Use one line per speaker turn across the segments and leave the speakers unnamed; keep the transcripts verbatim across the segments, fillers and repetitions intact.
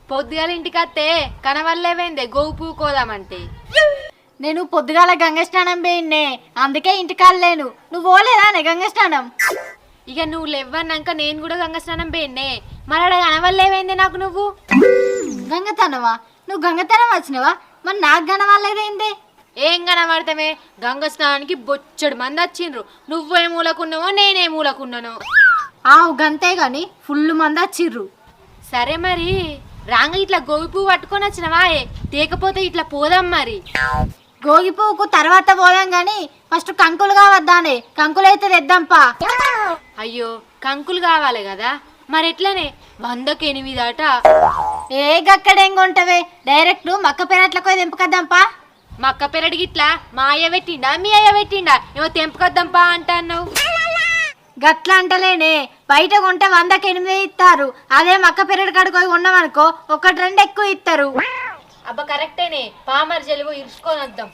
పొద్దుగాల ఇంటికి వస్తే కనవల్లేవేందే గోవు పూకోదామంటే.
నేను పొద్దుగాల గంగ స్నానం పోయిన్నే, అందుకే ఇంటికాలేను. నువ్వు పోలేదా గంగ స్నానం?
ఇక నువ్వు లేవన్నాక నేను కూడా గంగ స్నానం పోయిన్నే, మరి కనవల్లేవేందే నాకు నువ్వు?
గంగతనవా? నువ్వు గంగతనం వచ్చినవా? మరి నాకు కనవల్లేదేందే?
ఏం కనబడతామే, గంగ స్నానానికి బొచ్చడు మంది వచ్చిండ్రు. నువ్వే మూలకున్నావో నేనే మూలకున్నాను.
ఆవు గంతే గాని ఫుల్ మంది వచ్చిర్రు.
సరే మరి రాంగ ఇట్లా గోవి పువ్వు పట్టుకొని వచ్చినవా? తేకపోతే ఇట్లా పోదాం మరి.
గోగి పువ్వుకు తర్వాత పోదాం గాని ఫస్ట్ కంకులు కావద్దానే, కంకులైతే తెద్దాంపా.
అయ్యో కంకులు కావాలి కదా, మరి ఎట్లనే వందకు ఎనిమిది అట.
ఏ గక్కడేం కొంటవే, డైరెక్ట్ మక్క పెరట్లకు తెంపుకద్దాంపా.
మక్క పెరడికి ఇట్లా మా అయ్య పెట్టిండా మీ అయ్య పెట్టిండా? ఏమో తెంపుకొద్దాంపా అంటావు.
గట్ల అంటలేనే, బయట కొంటే వందకి ఎనిమిది ఇస్తారు. అదే మక్క పెరడు కడుకొని కొన్నామనుకో ఒకటి రెండు ఎక్కువ ఇస్తారు.
అబ్బా కరెక్టేనే, పామర్ జలుబు ఇరుచుకొని వద్దాం.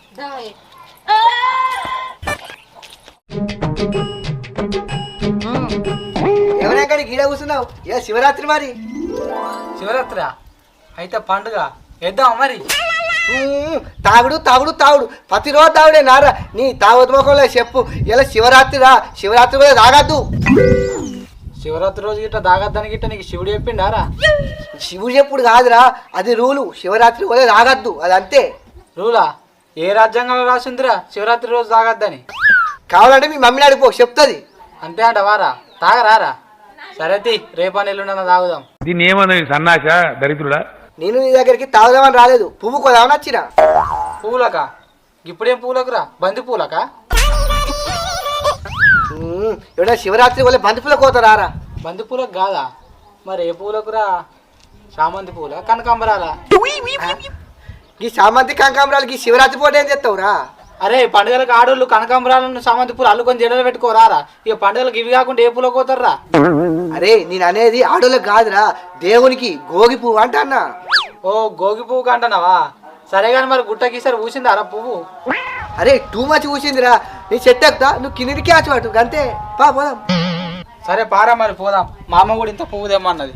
ఎవరైనా గీడ కూర్చున్నావు? ఏ శివరాత్రి మరి?
శివరాత్రి అయితే పండుగ వేద్దాం మరి.
తాగుడు తాగుడు తాగుడు ప్రతిరోజు తాగుడే నారా. నీ తాగుడు మొక్కలే చెప్పు. ఇలా శివరాత్రి రా, శివరాత్రి కూడా తాగద్దు.
శివరాత్రి రోజు గిట్ట తాగద్దని గిట్ట నీకు శివుడు చెప్పిండారా?
శివుడు చెప్పుడు కాదురా, అది రూలు. శివరాత్రి కూడా తాగద్దు, అది అంతే.
రూలా? ఏ రాజ్యాంగంలో రాసిందిరా శివరాత్రి రోజు తాగద్దని?
కావాలంటే మీ మమ్మీని అడిపో, చెప్తుంది.
అంతే అంట వారా? తాగరారా? సరే తీ, రేపా ఎల్లుండన్నా తాగుదాం.
దీన్ని ఏమన్నా సన్నాస దరిద్రుడా?
నేను నీ దగ్గరికి తాగుదామని రాలేదు, పువ్వు కొదామని వచ్చిన.
పూలక? ఇప్పుడేం పూలకురా? బంతి పూలక?
ఎవడ శివరాత్రి వల్ల బంతి పూల కోతారా?
బంతి పూలకు కాదా? మరి ఏ పూలకురా? చామంతి పూల, కనకాంబరాలా?
ఈ సామంతి కనకాంబరాలకి శివరాత్రి పూట ఏం చేస్తావురా?
అరే పండుగలకు ఆడోళ్ళు కనకాంబరాలను సామంతి పూలు అల్లుకొని జడలు పెట్టుకోరారా? ఇక పండుగలకు ఇవి కాకుండా ఏ పూల కోతారా?
అరే నేను అనేది ఆడోళ్ళకి కాదురా, దేవునికి గోగి పువ్వు అంట అన్న.
ఓ గోగి పువ్వు కంటున్నావా? సరే కానీ మరి గుట్టకి సరే ఊసిందారా పువ్వు?
అరే టూ మచ్ ఊసిందిరా. నీ చెట్టు ఎక్కుతా, నువ్వు కిందికి ఆచవాటు అంతే. పా పోదాం.
సరే పారా మరి పోదాం. మా అమ్మ కూడా ఇంత పువ్వు తెమ్మన్నది.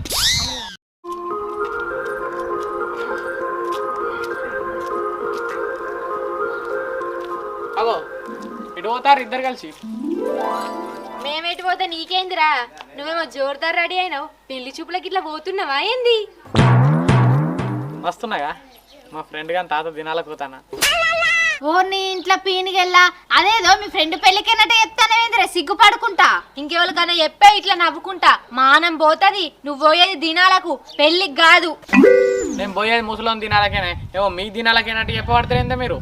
అగో ఇటు పోతారు ఇద్దరు కలిసి.
మేమెటు పోతే నీకేందిరా? నువ్వేమో జోరుదారు రెడీ అయినావు, పెళ్లి చూపులకి ఇట్లా పోతున్నావా ఏంది?
వస్తున్నాగా మా ఫ్రెండ్ గాని తాత దినాలకు పోతానా.
ఓ నీ ఇంట్లో పీనికెళ్ళా, అదేదో మీ ఫ్రెండ్ పెళ్ళికైనట్టు చెప్తానేందిరా, సిగ్గుపడుకుంటా.
ఇంకెవరికన్నా చెప్పే ఇట్లా నవ్వుకుంటా మానం పోతుంది. నువ్వు పోయేది దినాలకు, పెళ్లికి కాదు.
నేను పోయేది ముసలోని దినాలకేనే, ఏమో మీ దినాలకేనట్టు చెప్పబడతారేందా మీరు?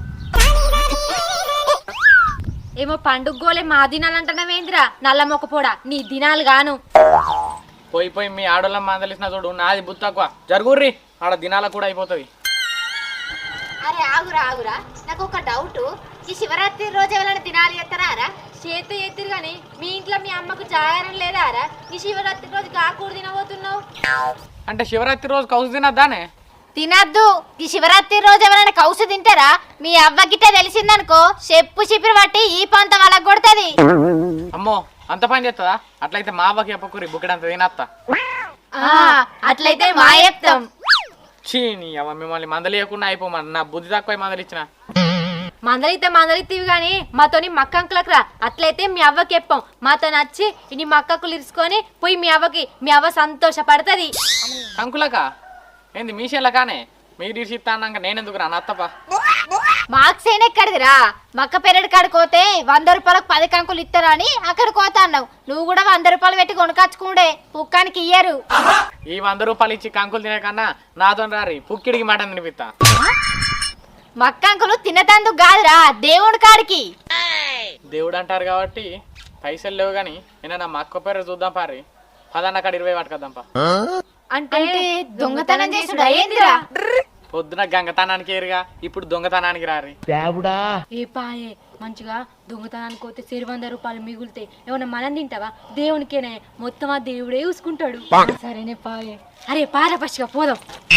ఏమో పండుగ గోలే మా దినాలు అంటున్నావేందిరా నల్ల మొక్కపోడా? నీ దినాలు గాను.
పోయి పోయి మీ ఆడోళ్ళ మందలిసిన చూడు, నాది బుద్ధి తక్కువ. జరుగుర్రి, ఆడ దినాలకు కూడా అయిపోతుంది.
అరే ఆగురా ఆగురా, నాకు ఒక డౌట్. ఈ శివరాత్రి రోజు ఎవరైనా తినాలి చేస్తారా?
చేతి ఎత్తిరు కానీ మీ ఇంట్లో మీ అమ్మకు జాగారం లేదా రా? ఈ శివరాత్రి రోజు కాకూడదు తినబోతున్నావు
అంటే శివరాత్రి రోజు కౌసు తినద్దానే?
తినద్దు. ఈ శివరాత్రి రోజు ఎవరైనా కౌసు తింటారా? మీ అవ్వకిటే తెలిసిందనుకో చెప్పు చిపిరి పట్టి ఈ పంత వాళ్ళకి కొడుతుంది.
అమ్మో అంత పని చేస్తుందా? అట్లయితే మా అవ్వకి చెప్పకూరి బుక్కడంత తినత్తా.
అట్లయితే మా చెప్తాం.
చీ నీ అవ్వ, మిమ్మల్ని మందలియకుండా అయిపోమని నా బుద్ధి తక్కువ మందలిచ్చిన.
మందలితే మందలిత్తివి కానీ మాతోని మక్కంకులకు రా. అట్లయితే మీ అవ్వకి చెప్పాం. మాతో నచ్చి ఇన్ని మక్కకులు ఇరుచుకొని పోయి మీ అవ్వకి, మీ అవ్వ సంతోషపడుతుంది.
కంకులక ఏంది మీ షేళ్ళ కానీ మీరు ఇరిసిస్తా అన్నాక నేనెందుకు రా నత్తపా?
మార్క్స్ అయినా ఎక్కడిదిరా? మక్క పెరడు కాడుకోతే వంద రూపాయలకు పది కంకులు ఇస్తారా అని అక్కడ కోతా అన్నావు. నువ్వు కూడా వంద రూపాయలు పెట్టి కొనుకొచ్చుకుండే, పుక్కానికి ఇయ్యరు.
ఈ వంద రూపాయలు ఇచ్చి కంకులు తినకన్నా నాతో రారి పుక్కిడికి మాట తినిపిస్తా.
మక్కంకులు తినతందుకు కాదురా, దేవుడి కాడికి.
దేవుడు అంటారు కాబట్టి పైసలు లేవు కానీ నేను నా మక్క పేరు చూద్దాం పారి. పదన్న కాడ ఇరవై పట్టుకొద్దాంపా.
అంటే
దొంగతనం చేసుడు అయ్యేందిరా?
పొద్దున గంగతనానికి ఏరుగా, ఇప్పుడు దొంగతనానికి రారి.
ఏ పాయే మంచిగా దొంగతనానికి పోతే సిరి వంద రూపాయలు మిగులుతాయి. ఏమన్నా మనం తింటావా? దేవునికేనే మొత్తం ఆ దేవుడే చూసుకుంటాడు. సరేనే పాయే. అరే పార పచ్చిగా పోదాం.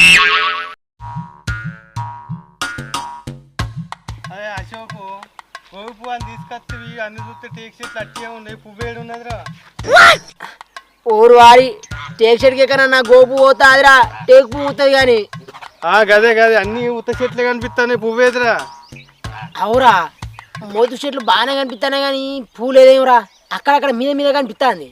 అదే అశోకు గోగు పువ్వు అని తీసుకొచ్చి అన్ని చూస్తే టేక్ చెట్లు అట్టే ఉన్నాయి. పువ్వు ఏడు ఉన్నదిరా?
ఓరు వారి
టేక్ షెడ్కి కన్నా గోపు పోతా అదిరా టేక్ పువ్వు అవుతుంది కానీ
ఆ గదే గదే అన్ని ఉత్త చెట్లే కనిపిస్తాయి పువ్వేదిరా.
అవురా మోతు చెట్లు బాగానే కనిపిస్తానే కానీ పువ్వు లేదేమరా అక్కడక్కడ మీద మీద కనిపిస్తుంది.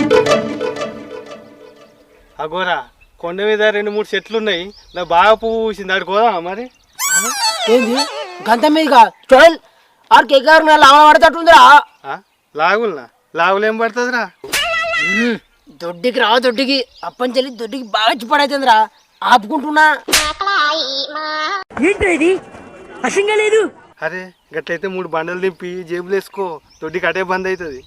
అగోరా కొండ మీద రెండు మూడు చెట్లు ఉన్నాయి, నా బాగా పువ్వు పూసింది ఆడుకోదా మరి.
ఏంది గంత మీదుగా చూడాలి ఆడికి ఎగ్గారు లావన పడతట్టుందిరా.
లాగులనా లాగులు ఏం పడుతుందిరా.
దొడ్డికి రా దొడ్డికి అప్పంచెల్లి దొడ్డికి బాగా వచ్చి పడైతుందిరా ఆపుకుంటున్నా. ఏంటి అసంగా లేదు.
అరే గట్లయితే మూడు బండలు దింపి జేబులు వేసుకో, దొడ్డికి అటే బంద్ అవుతుంది.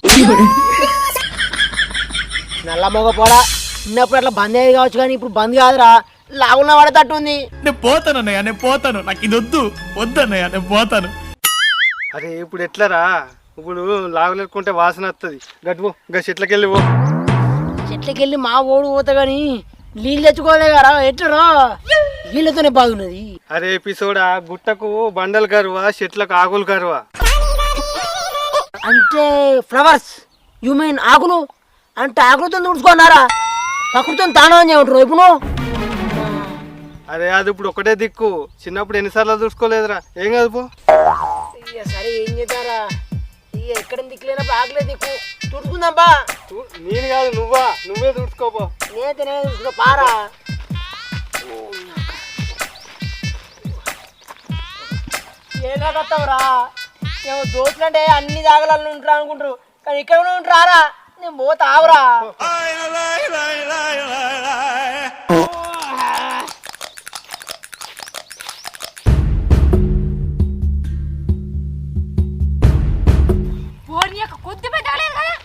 నల్ల మొగ పోడా చిన్నప్పుడు అట్లా బంద్ అయ్యేది కావచ్చు కానీ ఇప్పుడు బంద్ కాదురా లాగున్న పడతట్టుంది.
నేను పోతాను అన్నయ్య, నేను పోతాను, నాకు ఇది వద్దు వద్దన్నయ్య, నేను పోతాను.
అరే ఇప్పుడు ఎట్లరా, ఇప్పుడు లాగులేకుంటే వాసన వస్తుంది. గట్టుపో ఇంకా చెట్లకి వెళ్ళి పో.
చెట్లకి వెళ్ళి మా ఓడు పోతా కానీ నీళ్ళు తెచ్చుకోలే కదా ఎట్లరా నీళ్ళతోనే బాగున్నది.
అరే ఎపిసోడా గుట్టకు బండలు కరువా చెట్లకు ఆకులు కరువా.
అంటే ఫ్లవర్స్ యు మీన్ ఆకులు అంటే ఆకులతో తుడుచుకున్నారా ప్రకృతితో తానం చేయమంటారు ఇప్పుడు.
అరే అది ఇప్పుడు ఒకటే దిక్కు, చిన్నప్పుడు ఎన్నిసార్లు చూసుకోలేదురా. ఏం కాదు పో.
సరే ఏం చేద్దారా ఇక ఎక్కడ దిక్కులేనప్పుడు ఆకులే దిక్కు తుడుచుకుందాంపా.
నేను కాదు నువ్వా, నువ్వే చూసుకోపో.
నేనైతే నేను చూసుకో పారా. ఏనా కత్తావురా ఏమో దోస్తులు అంటే అన్ని జాగాలలో ఉంటారు అనుకుంటారు కానీ ఇక్కడ కూడా ఉంటారా నేను పోతా ఆవురా.
కొద్ది పెట్టలేదు కదా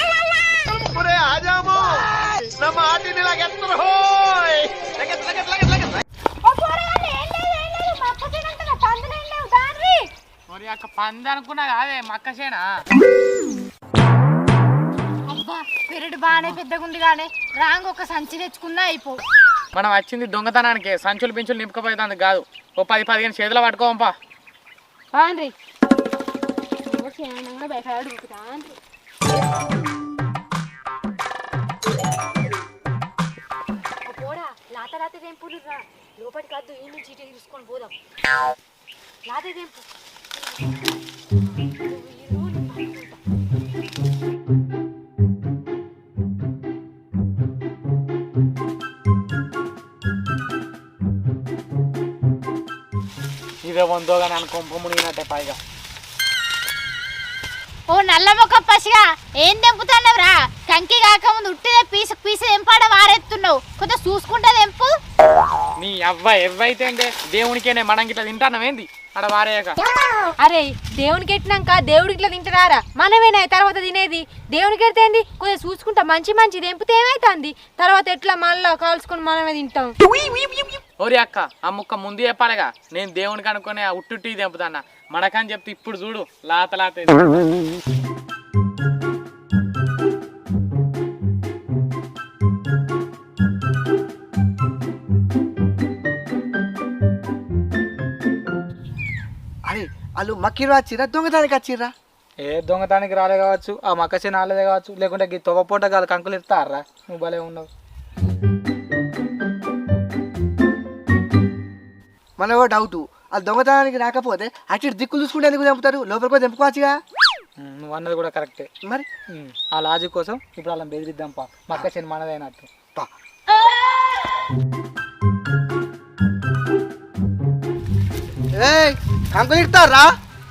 మరి అక్క పంది అనుకున్నా కాదే మక్క చేనా.
అబ్బా పెరడు బాగానే పెద్దగా ఉంది కానీ రాంగ్ ఒక సంచి తెచ్చుకున్నా అయిపో.
మనం వచ్చింది దొంగతనానికి, సంచులు పించులు నింపుకపోయేది కాదు. ఓ పది పదిహేను చేతులు పట్టుకోంపా.
బాగుండ్రి పోడా లాత లాత తెంపులు రా లోపలికి కాదు ఈ నుంచి ఇటు తీసుకొని పోదాం. లాత తెంపు
ఇదే వందో కానీ అని కొంప మునిగినట్టే పైగా.
ఓ నల్ల మొక్క పసిగా ఏం తెంపుతున్నావురా? కంకి కాకముందు ఉట్టిదే పీసు పీసు తెంపాడ వారెత్తున్నావు, కొంచెం చూసుకుంటా తెంపు.
నీ అవ్వ ఎవ్వైతే అంటే దేవునికేనే మనం ఇట్లా తింటానమేంది అక్కడ వారేయక.
అరే దేవునికి ఎట్టినాక దేవుడికి ఇట్లా తింటారా మనమేనా తర్వాత తినేది? దేవునికి ఎడితేంది కొంచెం చూసుకుంటా మంచి మంచి తెంపితే ఏమైతుంది తర్వాత ఎట్లా మళ్ళా కాల్చుకొని మనమే తింటాం.
ఓరి అక్క ఆ ముక్క ముందు చెప్పాలిగా, నేను దేవునికి అనుకునే ఆ ఉట్టుట్టి తెంపుతానా మనకని చెప్తే ఇప్పుడు చూడు లాత లాత.
అరే వాళ్ళు మక్కిరు వచ్చిర్రా దొంగతానికి వచ్చిర్రా?
ఏ దొంగతానికి రాలే కావచ్చు, ఆ మక్కసే నాలేదే కావచ్చు, లేకుంటే ఈ తొవ్వపూట కాదు కంకులు ఇస్తారా. నువ్వు భలే ఉన్నావు.
మన డౌట్ వాళ్ళు దొంగతనానికి రాకపోతే అటు దిక్కులు చూసుకుంటే ఎందుకు చంపుతారు? లోపలికి పోయి తెంపుకోవచ్చుగా.
నువ్వు అన్నది కూడా కరెక్టే.
మరి
ఆ లాజిక్ కోసం ఇప్పుడు అలా బెదిరిద్దాం పా, మక్కసేని మనదైనట్టు.
కంకులు ఇస్తారా?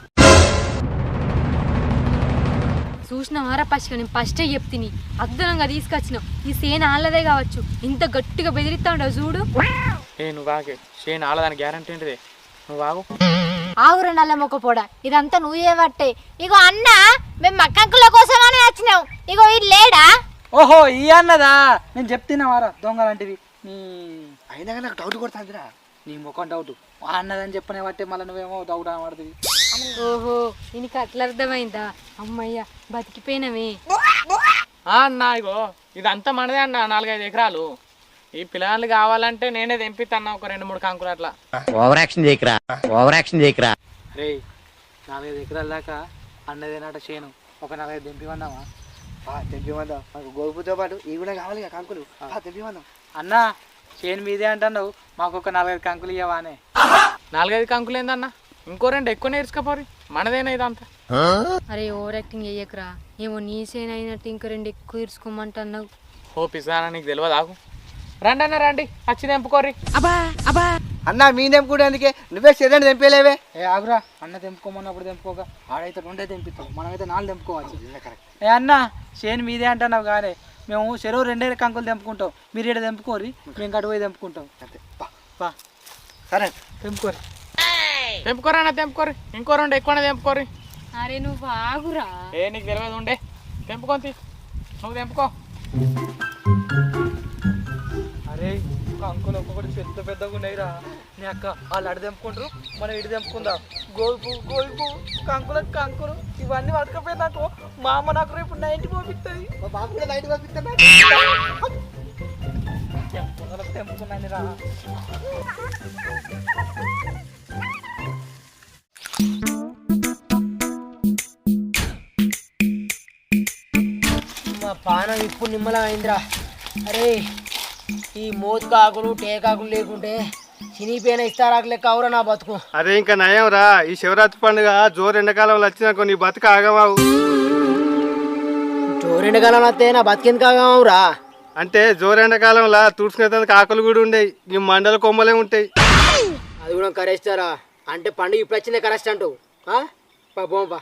చూసినావారా పసిగా నేను ఫస్టే చెప్తిని అద్భుతంగా తీసుకొచ్చినావు. ఈ సేన ఆళ్ళదే కావచ్చు ఇంత గట్టిగా బెదిరిస్తా ఉండవు చూడు.
ఏ నువ్వు ఆగే షేన్ ఆలదాని గ్యారంటీ ఏంటిది, నువ్వు ఆగు.
ఆవురు నల్ల మొక్క పోడా ఇదంతా నువ్వే పట్టే. ఇగో అన్న మేము మక్కంకుల కోసమని వచ్చినావు, ఇగో ఇది లేడా?
ఓహో ఈ అన్నదా, నేను చెప్తున్నావారా దొంగ లాంటివి. నీ
అయినా నాకు డౌట్ కొడుతుందిరా.
నీ ముఖం డౌట్ అన్నదని చెప్పనే బట్టే మళ్ళీ నువ్వేమో డౌట్ అనబడుతుంది.
ఓహో నీకు అట్లా అర్థమైందా? అమ్మయ్య బతికిపోయినవే.
అన్న ఇగో ఇదంతా మనదే అన్న, నాలుగైదు ఎకరాలు. ఈ పిల్లలు కావాలంటే నేనే తెంపిస్తాను ఒక రెండు మూడు కంకులు అట్లా.
ఓవర్ యాక్షన్ చేయకరా, ఓవర్ యాక్షన్ చేయకరా.
రే నాలుగైదు ఎకరాల దాకా అన్నదేనట చేను, ఒక నాలుగైదు దింపివన్నావా?
తెంపిమందాం మాకు గోపుతో పాటు ఇవి కూడా కావాలి కదా కంకులు తెంపిమందాం.
అన్న చేను మీదే అంటున్నావు, మాకు ఒక నాలుగైదు కంకులు ఇవ్వవానే.
నాలుగైదు కంకులు ఏందన్నా, ఇంకో రెండు ఎక్కువ నేర్చుకోపోరి, మనదేనా ఇదంతా.
అరే ఓవర్ యాక్టింగ్ చెయ్యకురా, ఏమో నీ సేన అయినట్టు ఇంకా రెండు ఎక్కువ ఇరుచుకోమంటున్నావు.
ఓ పిసానా నీకు తెలియదు ఆగు. రండి అన్న రండి, వచ్చి తెంపుకోర్రి.
అన్న మీ తెంపుకుంటే అందుకే నువ్వే శరీరం తెంపేలేవే.
ఏ ఆగురా, అన్న తెంపుకోమన్నప్పుడు తెంపుకోక, ఆడైతే రెండే తెంపిస్తావు, మనమైతే నాలుగు తెంపుకోవచ్చు. ఏ అన్న చేను మీదే అంటున్నావు కానీ మేము చెరువు రెండే కంకులు తెంపుకుంటాం, మీరు ఇక్కడ తెంపుకోరి, మేము కటు పోయి తెంపుకుంటాం. బా
సరే
తెంపుకోరి.
తెంపుకోరా అన్న తెంపుకోర్రి, ఇంకో రెండు ఎక్కువనే తెంపుకోర్రి.
అరే నువ్వు ఆగురా.
ఏ నీకు తెలియదు ఉండే, తెంపుకొని నువ్వు తెంపుకో.
అరే కంకులు ఒక్కొక్కటి పెద్ద పెద్దగా ఉన్నాయిరా. నీ అక్క వాళ్ళు అడి తెంపుకుంటారు, మనం ఇటు తెంపుకుందాం. గోల్పు గోల్పు కంకుల కంకులు ఇవన్నీ పట్టుకపోయినాకు మా అమ్మ నాకు రేపు నైన్టీ పంపిస్తుంది.
మా బాబు కూడా నైట్ పంపిస్తాను.
తెంపుకున్నాను రా.
మా పానం ఇప్పుడు నిమ్మలం అయిందిరా. అరే ఈ మోతుకాకులు టేకాకులు లేకుంటే చినిపోయిన ఇస్తారాకు లెక్క అవురా నా బతుకు.
అరే ఇంకా నయం రా, ఈ శివరాత్రి పండుగ జోరు ఎండాకాలంలో వచ్చినాకో నీ బతుక ఆగమావు.
చోరెండకాలం వస్తే నా బతికెందుకు ఆగమవురా?
అంటే జోరు ఎండాకాలంలో తుడుచుకునేందుకు ఆకులు కూడా ఉండేవి, ఈ మండల కొమ్మలే ఉంటాయి.
అది కూడా కరెస్టారా? అంటే పండుగ ఇప్పుడు వచ్చిందే కరెస్ట్ అంటూ పోంపా.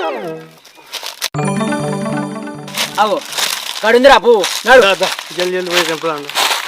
అవో కడుందిరా పో నడు.
జల్ది జల్ది పోయి తెంపుదాం.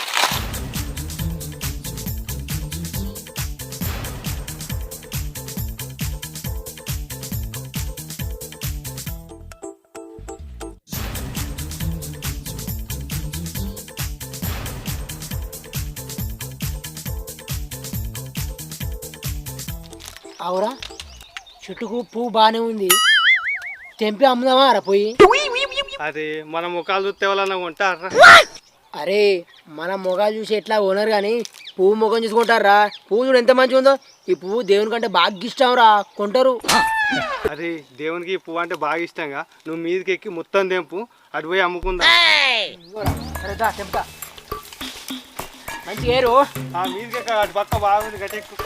అవురా చెట్టుకు పువ్వు బాగానే ఉంది, తెంపి అమ్ముదామా రా పోయి.
అరే మన ముఖాలు చూస్తే ఎవరన్నా కొంటారా?
అరే మన మొగాలు చూసి ఎట్లా ఓనర్ కానీ పువ్వు ముఖం చూసుకుంటారా? పువ్వు చూడు ఎంత మంచిగా ఉందో. ఈ పువ్వు దేవుని కంటే బాగా ఇష్టం రా, కొంటారు.
అరే దేవునికి ఈ పువ్వు అంటే బాగా ఇష్టంగా, నువ్వు మీదకి ఎక్కి మొత్తం తెంపు, అటు పోయి అమ్ముకుందా.
అరే దా చెప్తా మంచిగా ఏరు.
ఆ మీదకి ఎక్క, అటు పక్క బాగుంది గట్టెక్కు.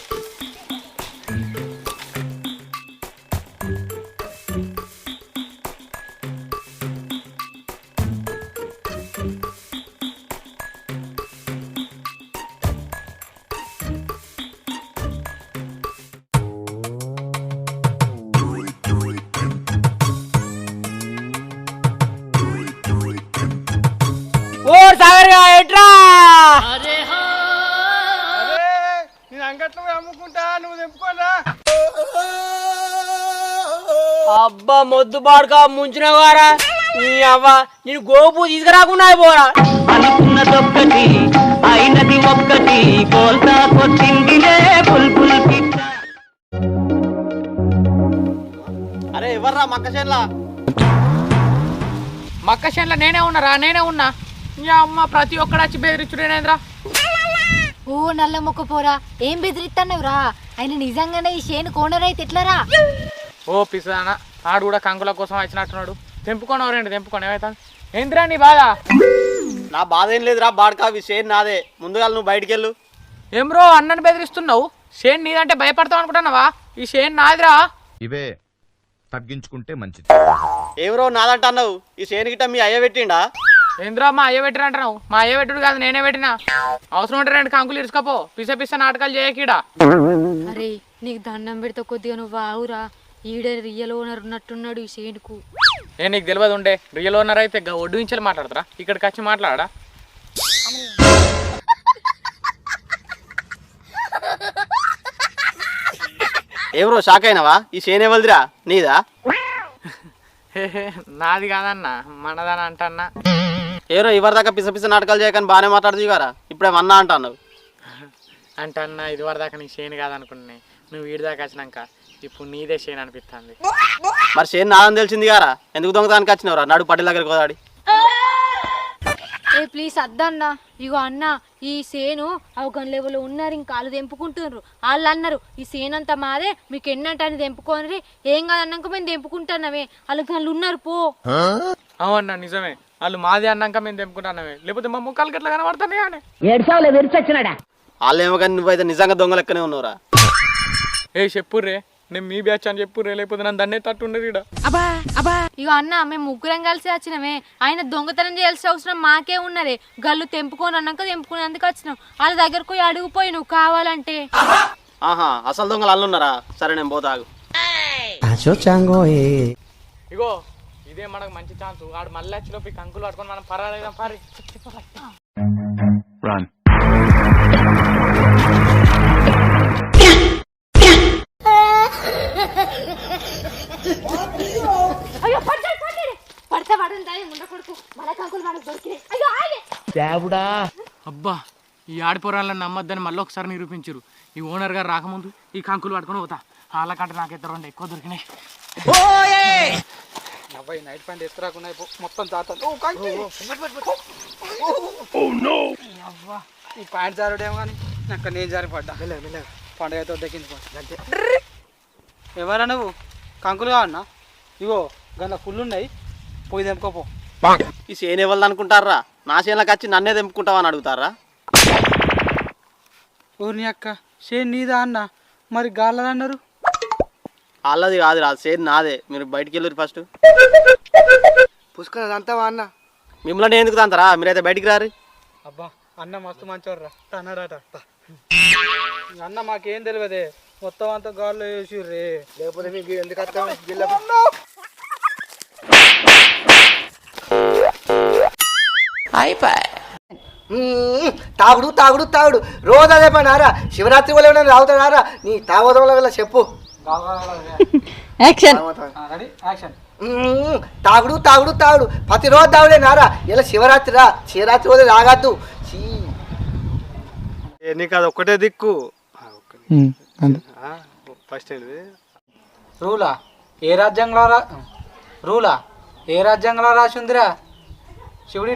ఓ సాగర్ ఎట్రా?
నేను అంగట్లో పోయి అమ్ముకుంటా, నువ్వు తెంపుకోరా.
అబ్బా మొద్దు బాడుక ముంచినవారా నీ అవ్వ, నేను గోపు తీసుకురాకుండా పోరా.
అనుకున్నదొక్కటి అయినది ఒక్కటి కోల్తా కొట్టిందిలే బుల్బుల్ పిట్ట.
అరే ఎవర్రా మక్క చేనులా?
మక్క చేనులో నేనే ఉన్నారా, నేనే ఉన్నా. ఇంకా అమ్మ ప్రతి ఒక్కడు వచ్చి బెదిరించుడేనేంద్రా.
ఓ నల్ల మొక్క పోరా, ఏం బెదిరిస్తున్నావురా? ఆయన నిజంగానే ఈ చేను కోనర్ అయితే ఎట్లరా?
ఓ పిసానా, ఆడు కూడా కంకుల కోసం వచ్చినట్టున్నాడు. తెంపుకోనవు రెండు తెంపుకోను, ఏమైతే ఏంద్రా నీ బాధ?
నా బాధ ఏం లేదురా బాడకా, ఈ షేర్ నాదే. ముందుగా నువ్వు బయటికి వెళ్ళు.
ఏం బ్రో అన్నని బెదిరిస్తున్నావు? షేన్ నీదంటే భయపడతావు అనుకుంటున్నావా? ఈ షేన్ నాదిరా.
ఇవే తగ్గించుకుంటే మంచిది.
ఎవరో నాదంటున్నావు? ఈ షేర్ గిట్ట మీ అయ్య పెట్టిండా?
ఏంద్రా మా అయ్య పెట్టిన అంటున్నావు? మా అయ్య పెట్టుడు కాదు, నేనే పెట్టినా. అవసరం ఉంటే రెండు కంకులు ఇరుచుకపో, పిస పిస నాటకాలు చేయకీడా.
అరే నీకు దండం పెడితే కొద్దిగా నువ్వు ఆవురా, ఈడే రియల్ ఓనర్ ఉన్నట్టున్నాడు ఈ చేనుకు.
ఏ నీకు తెలియదు ఉండే, రియల్ ఓనర్ అయితే ఒడ్డు నుంచి మాట్లాడతారా, ఇక్కడికి వచ్చి మాట్లాడా?
ఎవరో షాక్ అయినావా? ఈ షేన్ ఎవరిదిరా, నీదా?
నాది కాదన్నా, మనదని అంటన్నా.
ఎవరో ఎవరి దాకా పిస పిస నాటకాలు చేయకని బాగానే మాట్లాడుతుంది కదా, ఇప్పుడే అన్నా అంటున్నావు.
అంటే అన్న ఇది వరదాకా నీ షేన్ కాదనుకున్నాయి, నువ్వు వీడి దాకా వచ్చినాక ఇప్పుడు నీదే షేన్ అనిపిస్తుంది.
మరి షేన్ నాదని తెలిసింది గారా, ఎందుకు దొంగతానికి వచ్చినవరా? నడు పట్టి దగ్గరికి పోదాడి.
ఏ ప్లీజ్ అద్దన్నా. ఇగో అన్న ఈ సేను అవగాహన లెవెల్లో ఉన్నారు, ఇంకా వాళ్ళు తెంపుకుంటున్నారు. వాళ్ళు అన్నారు ఈ సేను అంతా మాదే, మీకు ఎన్నంటని తెంపుకోనరి, ఏం కాదన్నాక మేము తెంపుకుంటున్నామే, వాళ్ళకి వాళ్ళు ఉన్నారు పో.
అవునన్నా నిజమే, వాళ్ళు మాది అన్నాక మేము తెంపుకుంటున్నామే, లేకపోతే మా ముఖాలు గట్లా కనబడుతున్నాయి అని.
వాళ్ళేమో కానీ నువ్వైతే నిజంగా దొంగ లెక్కనే ఉన్నావురా.
ఏ చెప్పుర్రే, నేను మీ బ్యాచ్ అని చెప్పుర్రే, లేకపోతే నన్ను దన్నే తట్టు ఉండదు ఇక్కడ.
ఇగో అన్న మేము ముగ్గురం కలిసి వచ్చినామే, ఆయన దొంగతనం చేయాల్సిన అవసరం మాకే ఉన్నదే. గల్లు తెంపుకొని అన్నాక తెంపుకునేందుకు వచ్చినాం. వాళ్ళ దగ్గరకు పోయి అడుగుపోయి నువ్వు కావాలంటే.
ఆహా, అసలు దొంగలు అల్లున్నారా? సరే నేను పోతాగు.
ఇగో ఇదే మనకు మంచి ఛాన్స్. వాడు మళ్ళీ వచ్చిలోపు ఈ కంకులు పట్టుకొని మనం పర్వాలేదాం పారి.
అయ్యో పడ్డాడు పడ్డాడు పడితే పడుంటాయి ముండ కొడుకు మన కంకులు మనకు దొరికినాయి. అయ్యో ఆగే
దేవుడా.
అబ్బా, ఈ ఆడిపోరాళ్ళని నమ్మొద్దని మళ్ళీ ఒకసారి నిరూపించారు. ఈ ఓనర్ గారు రాకముందు ఈ కంకులు పట్టుకొని పోతా. వాళ్ళకంటే నాకైతే రెండు ఎక్కువ దొరికినాయి.
అబ్బాయి నైట్ ప్యాంట్ వేసుకురాకుండా మొత్తం జాతర. ఈ ప్యాంట్ జారుడేమో కానీ నాకు నేను జారి పడ్డా. పండుగతో దక్కించిపోతా. ఎవరా నువ్వు? కంకులు కావన్నా? ఇగో గంట ఫుల్ ఉన్నాయి, పోయి తెంపుకోపో.
ఈ చేను ఎవరిది అనుకుంటారా? నా చేనులకు వచ్చి నన్నే తెంపుకుంటావా అని అడుగుతారా?
ఊరిని అక్క షేన్ నీదా అన్న, మరి గాళ్ళది అన్నారు.
వాళ్ళది కాదు రా, చేను నాదే. మీరు బయటికి వెళ్ళరు ఫస్ట్.
పుష్కర అంతా అన్న.
మిమ్మల్ని ఎందుకు తంతారా? మీరైతే బయటికి రారు.
అబ్బా అన్న మస్తు మంచివర్రా అన్నాడట. అన్న మాకేం తెలియదే, మొత్తం అంతా గాల్లో వేసిర్రే.
లేకపోతే మీకు ఎందుకు అర్థం? తాగుడు తాగుడు తాగుడు రోజు అదే పని ఆరా. శివరాత్రి వల్ల ఏమైనా తాగుతాడారా? నీ తాగోదం వల్ల చెప్పు. తాగుడు తాగుడు తాగుడు ప్రతిరోజు తాగుడే నారా. ఇలా శివరాత్రి రా, శివరాత్రి వల్ల తాగద్దు.
నీకు అది ఒక్కటే దిక్కు. ఫస్ట్
రూలా ఏ రాజ్యాంగంలో రా రూలా ఏ రాజ్యాంగంలో రాసిందిరా? శివుడి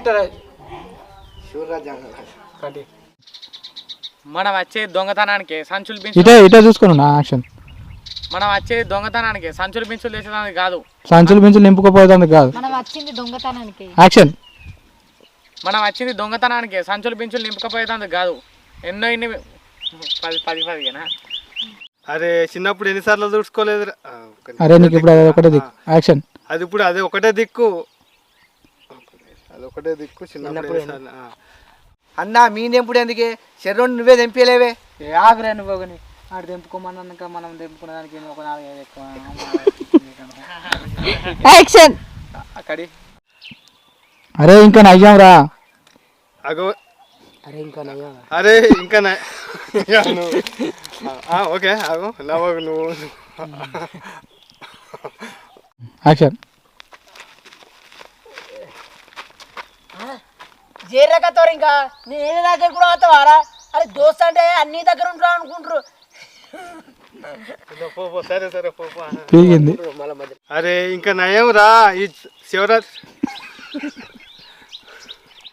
శివరాజ్యాంగం.
మనం వచ్చే దొంగతనానికి సంచులు
ఇటే
బించులు
ఇటే చూసుకున్నా యాక్షన్.
మనం వచ్చే దొంగతనానికి సంచులు బించులు వేసేదానికి కాదు.
సంచులు బించులు నింపుకోపోయేదానికి కాదు.
మనం వచ్చింది దొంగతనానికి.
యాక్షన్.
మనం వచ్చింది దొంగతనానికి, సంచులు బించులు నింపుకపోయేదానికి కాదు. ఎన్నో ఇన్ని పది పది పదిహేనా?
అరే చిన్నప్పుడు ఎన్నిసార్లు చూసుకోలేదు?
అరే నీకు ఇప్పుడు అది ఒకటే దిక్కు. యాక్షన్.
అది ఇప్పుడు అదే ఒకటే దిక్కు. అది ఒకటే దిక్కు చిన్నప్పుడు.
అన్న మీ తెంపుడు ఎందుకే? శరీరం నువ్వే తెంపలేవే.
ఏ ఆగ్రే నువ్వు కానీ ఆడు తెంపుకోమన్నాక మనం తెంపుకునే దానికి ఒక నాలుగైదు ఎక్కువ.
యాక్షన్.
అక్కడి
అరే ఇంకా నయ్యాం రా.
అగో
అరే ఇంకా నయ్యా.
అరే ఇంకా ఓకే అగో నవ్వు నువ్వు.
యాక్షన్.
జేరకతో ఇంకా నేను దగ్గర కూడా అవుతావారా? అరే దోస్త్ అంటే అన్ని దగ్గర ఉంటారు అనుకుంటారు.
సరే సరే పో.
పీగింది.
అరే ఇంకా నయం రా. ఈ శివరాత్రి